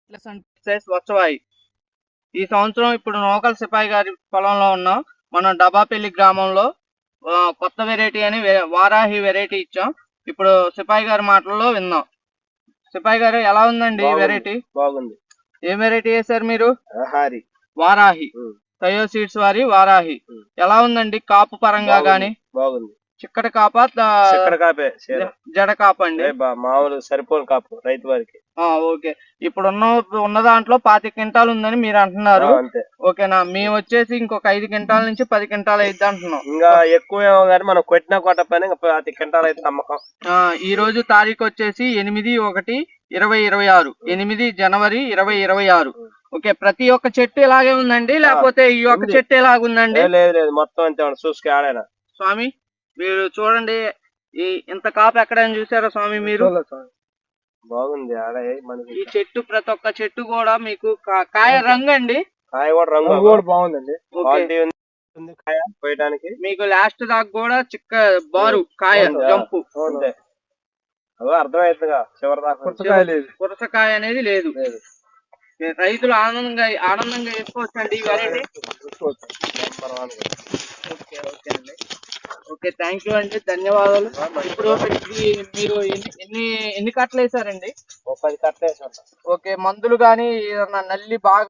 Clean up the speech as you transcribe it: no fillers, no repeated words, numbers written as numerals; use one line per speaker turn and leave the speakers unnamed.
స్వచ్ఛవాయి. ఈ సంవత్సరం ఇప్పుడు నూకల్ సిపాయి గారి పొలంలో ఉన్నాం. మనం డబాపల్లి గ్రామంలో కొత్త వెరైటీ అని వారాహి వెరైటీ ఇచ్చాం. ఇప్పుడు సిపాయి గారి మాటల్లో విందాం. సిపాయి గారు ఎలా ఉందండి వెరైటీ?
బాగుంది.
ఏ వెరైటీ వేసారు మీరు?
వారాహి.
తయో సీడ్స్ వారి వారాహి. ఎలా ఉందండి కాపు పరంగా గాని?
బాగుంది.
చిక్కటి కాపా జడ కాప అండి?
మామూలు సరిపోని కాపు రైతు వారికి.
ఓకే. ఇప్పుడు ఉన్న దాంట్లో 25 క్వింటాలు ఉందని మీరు అంటున్నారు. ఓకేనా? మేము వచ్చేసి ఇంకొక 5 క్వింటాల నుంచి 10 క్వింటాలు అయితే అంటున్నాం.
ఇంకా ఎక్కువేమో కానీ మనం కొట్టినా కొట్టపోయినా 25 క్వింటాలు అయితే నమ్మకం.
ఈ రోజు తారీఖు వచ్చేసి 8/1/2026. 8 జనవరి 2026. ఓకే. ప్రతి ఒక్క చెట్టు ఇలాగే ఉందండి లేకపోతే ఈ ఒక్క చెట్టు ఎలాగుందండి?
లేదు మొత్తం అంతే చూసుకు ఆడైనా.
స్వామి మీరు చూడండి, ఇంత కాపు ఎక్కడైనా చూసారా స్వామి మీరు?
బాగుంది.
ఈ చెట్టు ప్రతి ఒక్క చెట్టు కూడా మీకు కాయ రంగు అండి.
కాయ కూడా రంగు కూడా బాగుందండి. కాయ పోయడానికి
మీకు లాస్ట్ దాకా కూడా చిక్క బారు కాయ జంపు
అర్థమవుతుందిగా. చివరి దాకా
పురసకాయ అనేది లేదు. రైతులు ఆనందంగా వేసుకోవచ్చండి ఈ వెరైటీ. ఓకే థ్యాంక్ యూ అండి, ధన్యవాదాలు. ఇప్పుడు మీరు ఎన్ని కట్టలు వేసారండి?
10 కట్టలు వేసారు.
ఓకే. మందులు గానీ ఏదన్నా నల్లి బాగా